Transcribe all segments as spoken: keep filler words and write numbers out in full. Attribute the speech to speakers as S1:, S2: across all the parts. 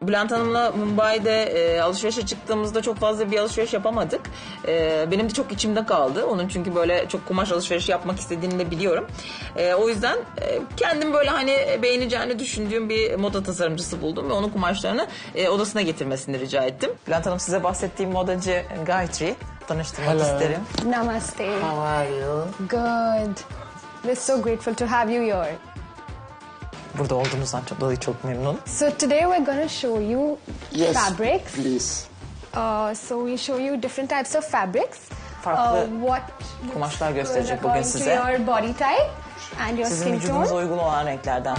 S1: Bülent Hanım'la Mumbai'de e, alışverişe çıktığımızda çok fazla bir alışveriş yapamadık. E, benim de çok içimde kaldı. Onun çünkü böyle çok kumaş alışverişi yapmak istediğini de biliyorum. E, o yüzden e, kendim böyle hani beğeneceğini düşündüğüm bir moda tasarımcısı buldum ve onun kumaşlarını e, odasına getirmesini rica ettim. Bülent Hanım, size bahsettiğim modacı Gayatri. Tanıştırmak
S2: Hello.
S1: isterim.
S3: Namaste.
S2: How are you?
S3: Good. We're so grateful to have you here.
S1: Burada olduğunuzdan çok dolayı çok memnunum.
S3: So today we're going to show you
S2: Yes,
S3: fabrics.
S2: please.
S3: Uh, so we show you different types of fabrics.
S1: Farklı
S3: uh, what
S1: kumaşlar
S3: looks
S1: gösterecek
S3: good
S1: bugün
S3: according
S1: size.
S3: to your body type and your
S1: Sizin
S3: skin
S1: vücudunuza
S3: tone.
S1: uygun olan renklerden.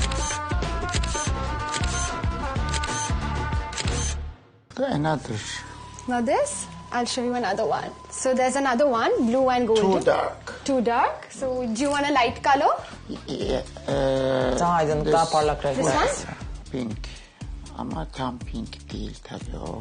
S2: Another.
S3: Now this, I'll show you another one. So there's another one, blue and golden.
S2: Too dark.
S3: Too dark. So do you want a light color?
S2: Yeah, uh,
S1: Daha aydınlık, daha parlak renkler.
S3: This one?
S2: Pink. Ama tam pink değil tabii o.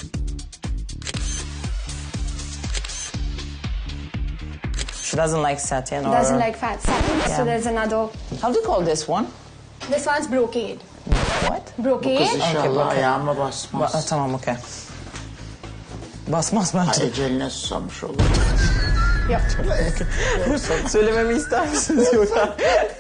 S1: She doesn't like satin or...
S3: Doesn't like fat satin.
S1: Yeah.
S3: So there's another.
S1: How do you call this one?
S3: This one's brocade.
S1: What?
S2: Bu
S3: Brocade.
S2: kız inşallah
S1: bakın.
S2: ayağıma
S1: Ba-
S2: basmaz.
S1: Aa, tamam, okey. Basmaz
S2: Ha,
S1: bence.
S2: eceline susamış olur.
S3: Yep.
S1: Söylememi ister misiniz yoksa?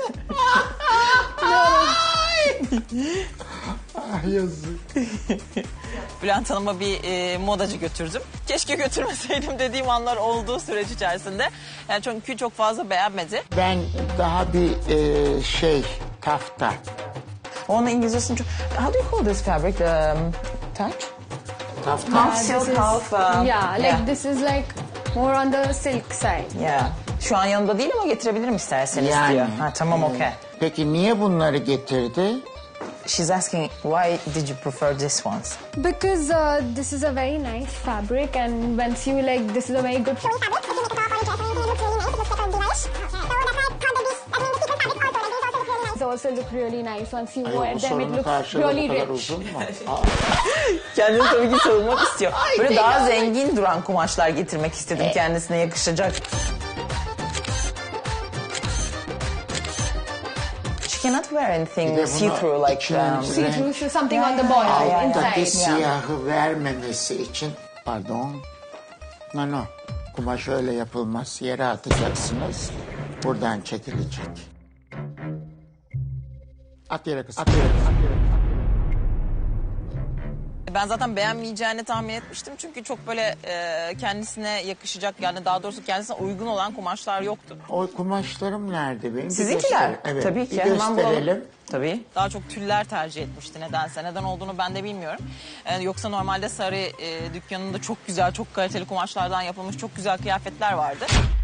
S2: Ah yazık.
S1: Bülent Hanım'a bir e, modacı götürdüm. Keşke götürmeseydim dediğim anlar olduğu süreç içerisinde. Yani çünkü çok fazla beğenmedi.
S2: Ben daha bir e, şey tafta.
S1: Onun İngilizcesini çok... How do you call this fabric? Um, touch?
S2: Tafta.
S1: Half
S3: Uh,
S1: silk,
S3: this is-
S1: half... um,
S3: yeah, like
S1: yeah.
S3: this is like more on the silk side.
S1: Yeah. Şu an yanımda değil ama getirebilirim isterseniz
S2: Yani.
S1: diyor. Ha, tamam, okey.
S2: Peki niye bunları getirdi?
S1: She's asking, why did you prefer this ones?
S3: Because uh, this is a very nice fabric, and once you like, this is a very good fabric. It also look really nice once you
S2: Ay,
S3: wear
S2: bu
S3: them. It
S2: sorunun
S3: looks
S2: karşılığı
S3: really
S2: bu kadar
S3: rich.
S2: uzun mu? Aa,
S1: Kendini tabii ki savunmak istiyor. Böyle daha zengin duran kumaşlar getirmek istedim kendisine yakışacak. She cannot wear
S2: Bir
S1: anything
S2: de bunu
S1: see-through like...
S2: içinin
S1: Um,
S3: See
S2: renk-
S3: through, so something on the body
S1: yeah, yeah.
S2: Altındaki
S3: inside.
S2: siyahı vermemesi için, pardon, no no, kumaş öyle yapılmaz, yere atacaksınız, buradan çekilecek. At yere kız, at yere kız, at yere kız.
S1: Ben zaten beğenmeyeceğini tahmin etmiştim. Çünkü çok böyle e, kendisine yakışacak, yani daha doğrusu kendisine uygun olan kumaşlar yoktu.
S2: O kumaşlarım nerede benim? Bir
S1: Sizinkiler?
S2: göster- Evet,
S1: Tabii ki.
S2: bir
S1: Hemen bulalım.
S2: gösterelim.
S1: Tabii. Daha çok tüller tercih etmişti nedense. Neden olduğunu ben de bilmiyorum. Ee, yoksa normalde Sarı e, dükkanında çok güzel, çok kaliteli kumaşlardan yapılmış çok güzel kıyafetler vardı.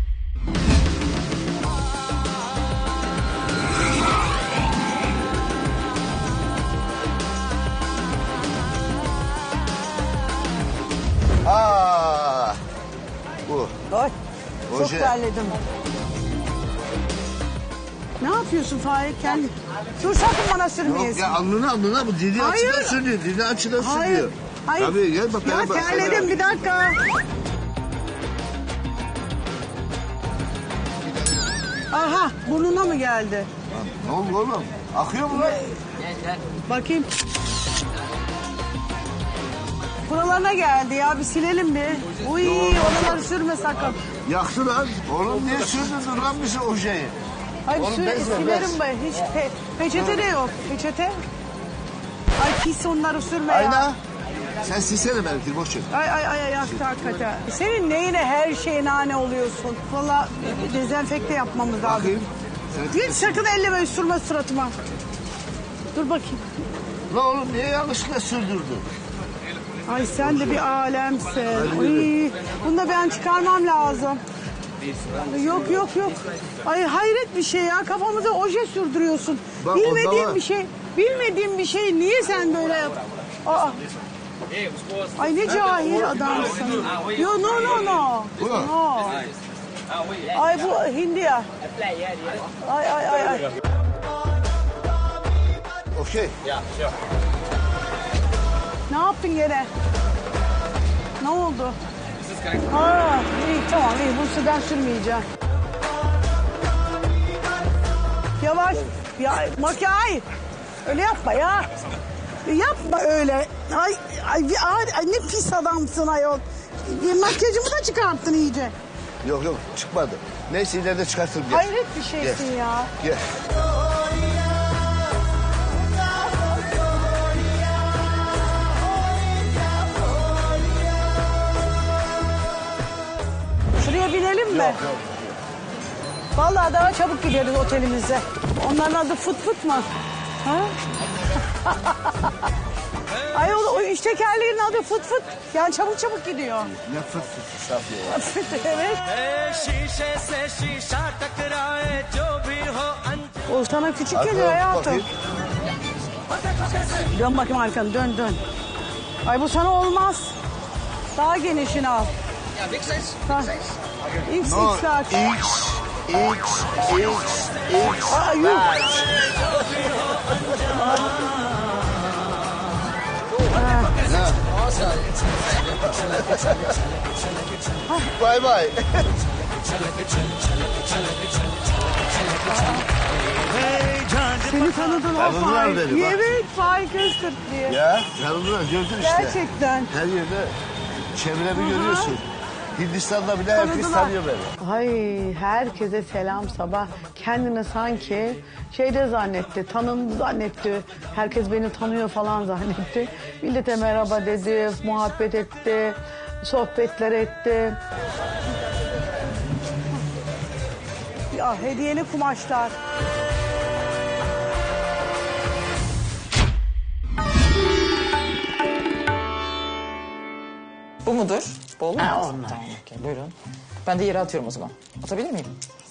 S4: Aa, bu.
S5: Ay, çok
S4: Oje.
S5: terledim. Ne yapıyorsun Faik? Kendi... Dur sakın bana
S4: Yok
S5: sürmeyesin.
S4: ya, alnına alnına bu dili
S5: Hayır.
S4: açıdan sürüyor. Dili açıdan
S5: Hayır.
S4: sürüyor.
S5: Hayır.
S4: Tabii gel bak.
S5: Ya
S4: bana bak,
S5: terledim
S4: bana
S5: bir dakika. Aha burnuna mı geldi?
S4: bak. Ne oldu oğlum? Akıyor mu lan?
S5: Bakayım. Buralarına geldi ya, bir silelim bir. Uy, oraları sürme sakın.
S4: Yaktı lan. Oğlum niye sürdün lan bizi o şeyi?
S5: Ay
S4: Oğlum
S5: sür,
S4: bez ver,
S5: silerim
S4: bez.
S5: ben. Hiç pe- peçete de yok. Peçete. Ay pis, onları sürme ya.
S4: Ayna. Sen silsene benimkini, boş ver.
S5: Ay ay ay ay yaktı hakikaten. Senin neyine her şeye nane oluyorsun? Valla dezenfekte yapmamız lazım.
S4: Bakayım. Sen...
S5: Hiç sakın elleme, sürme suratıma. Dur bakayım.
S4: Lan oğlum niye yanlışlıkla sürdürdün?
S5: Ay sen de bir alemsin. Uy, bunu da ben çıkarmam lazım. Yok yok yok. Ay hayret bir şey ya, kafamıza oje sürdürüyorsun.
S4: Bak, onda
S5: Bilmediğim
S4: var.
S5: bir şey. Bilmediğim bir şey niye sen böyle yap? Aa. Ay ne cahil adamsın. Yo no no no.
S4: Bu.
S5: No. Ay bu Hindiya. Ay ay ay ay.
S4: Okey.
S5: Ne yaptın gene? Ne oldu? Ha, iyi tamam iyi, bu sudan sürmeyeceğim. Yavaş. Ya makyaj. Öyle yapma ya. Yapma öyle. Ay, ay, ay, ay ne pis adamsın ayol. E, Makyajımı da çıkarttın iyice.
S4: Yok yok çıkmadı. Neyse ileride çıkartırım. Gel.
S5: Hayret bir şeysin
S4: Gel.
S5: ya.
S4: Gel.
S5: Şuraya binelim mi?
S4: Yok yok.
S5: Vallahi daha çabuk gideriz otelimize. Onların adı fıt fıt mı? Ha? Ay o, o üç tekerleğin adı fıt fıt. Yani çabuk çabuk gidiyor.
S4: Ne fıt fıt Safiye ya.
S5: Evet.
S6: शीशे से शीशा टकराए जो भी हो
S5: O sana küçük
S4: Arkaya
S5: geliyor hayatım.
S4: bakayım.
S5: Dön bakayım arkanı dön dön. Ay bu sana olmaz. Daha genişini al.
S6: Ja, big size.
S5: Ha. X
S4: No,
S5: X large.
S4: X, X, X, X.
S5: Aa, yuh.
S4: Bay bay.
S5: Seni tanıdın o
S4: Tanıdılar
S5: Faik.
S4: beni, bak.
S5: Evet Faik Öztürk diye.
S4: Ya tanıdılar gördün işte.
S5: Gerçekten.
S4: Her yerde çevremi görüyorsun. Hindistan'da bile herkes
S5: Tanıdılar.
S4: tanıyor beni.
S5: Ay herkese selam sabah. Kendini sanki şeyde zannetti, tanındı zannetti. Herkes beni tanıyor falan zannetti. Millete merhaba dedi, muhabbet etti, sohbetler etti. Ya hediyeli kumaşlar.
S1: Bu mudur? Bu olur mu?
S2: Ha, onlar.
S1: Tamam, okey, buyurun. Ben de yere atıyorum o zaman. Atabilir miyim?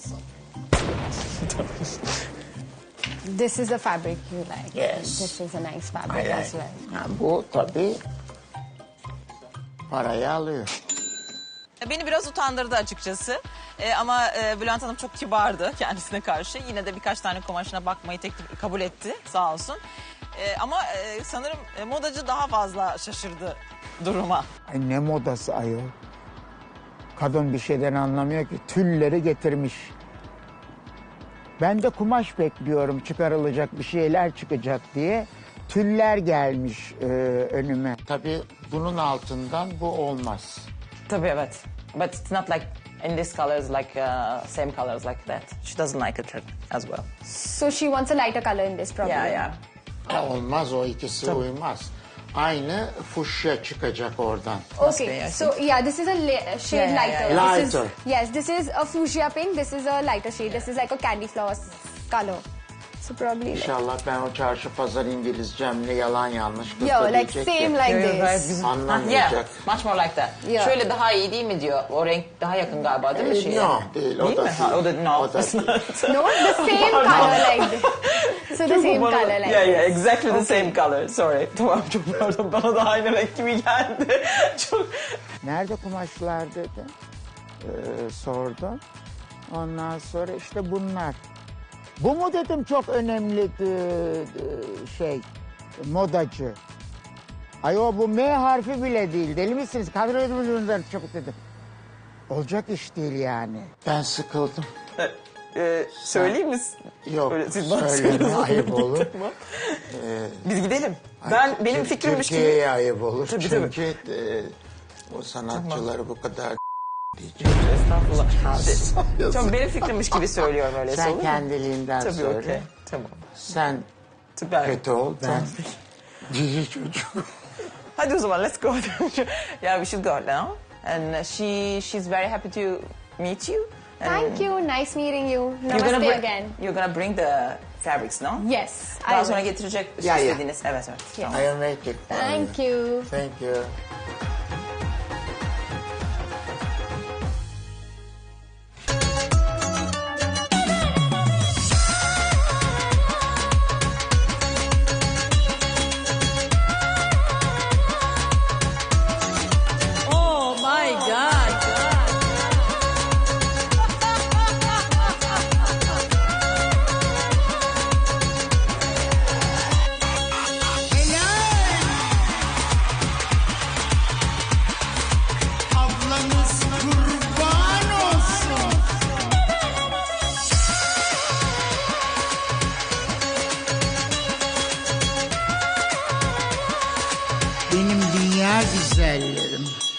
S3: This is the fabric you like.
S2: Yes.
S3: This is a nice fabric
S2: Ay, ay.
S3: as well.
S2: Ha, bu tabii parayı alıyor.
S1: Beni biraz utandırdı açıkçası. Ee, ama e, Bülent Hanım çok kibardı kendisine karşı. Yine de birkaç tane kumaşına bakmayı teklif kabul etti sağ olsun. Ee, ama e, sanırım e, modacı daha fazla şaşırdı duruma.
S2: Ay ne modası ayol. Kadın bir şeyden anlamıyor ki. Tülleri getirmiş. Ben de kumaş bekliyorum çıkarılacak bir şeyler çıkacak diye. Tüller gelmiş e, önüme. Tabii bunun altından bu olmaz.
S1: Tabii evet. But it's not like in this colors like uh, same colors like that. She doesn't like it as well.
S3: So she wants a lighter color in this probably.
S1: Yeah, yeah.
S2: Ha, olmaz o ikisi uymaz. Aynı fuşya çıkacak oradan.
S3: Okay,
S1: be, I
S3: so yeah, this is a la- shade
S1: Yeah, yeah,
S3: lighter.
S1: yeah,
S2: yeah.
S3: This
S2: Lighter.
S3: is, yes, this is a fuchsia pink. This is a lighter shade. This is like a candy flower color. So probably like,
S2: İnşallah ben o çarşı pazar İngilizcemle yalan yanlış kız
S3: yo,
S2: da
S3: like
S2: diyecek
S3: same
S2: ki,
S3: like
S1: You're gayet
S3: this.
S1: güzel.
S2: Anlamayacak.
S1: Yeah, much more like that.
S3: Yeah.
S1: Şöyle daha iyi değil mi diyor. O renk daha yakın galiba değil mi?
S2: E,
S1: şeye?
S2: no, değil, o
S1: Değil
S2: da
S1: mi? Ha,
S2: değil.
S1: o da no.
S2: O da
S1: it's
S2: değil.
S1: not.
S3: No, the same color like this. So the same color like
S1: Yeah, yeah,
S3: this.
S1: exactly the same color. Sorry. Tamam çok pardon. Bana da aynı renk gibi geldi. Çok.
S2: Nerede kumaşlar dedi. Ee, sordum. Ondan sonra işte bunlar. Bu mu dedim çok önemli e, e, şey modacı. Ay o bu M harfi bile değil. Deli misiniz? Kadro edin çabuk dedim. Olacak iş değil yani. Ben sıkıldım.
S1: Ee, söyleyeyim mi?
S2: Yok
S1: Öyle siz bana
S2: söyleme
S1: söylüyorsunuz.
S2: ayıp olur.
S1: Tamam. Biz gidelim. Ben benim
S2: Tür-
S1: fikrimmiş gibi.
S2: Türkiye'ye ayıp olur.
S1: Tabii, tabii.
S2: Çünkü e, o sanatçıları bu kadar diyeceğim.
S1: Estağfurullah. Çok benim fikrimmiş gibi söylüyorum öyle.
S2: Sen
S1: olur mu?
S2: kendiliğinden
S1: Tabii
S2: söyle.
S1: okey. Tamam.
S2: Sen
S1: Süper.
S2: kötü ol. Ben cici çocuk.
S1: Hadi o zaman let's go. Yeah, we should go now. And uh, she she's very happy to meet you. And
S3: Thank you. Nice meeting you.
S1: You're gonna
S3: Namaste
S1: bring,
S3: again.
S1: You're gonna bring the fabrics, no?
S3: Yes, I
S1: Daha sonra
S3: will.
S1: getirecek
S2: Ya, ya.
S1: istediğiniz. Evet, evet. Tamam.
S2: I'll make it.
S3: Thank you.
S2: Thank you.
S1: Oh my God.
S2: günler güzellerim.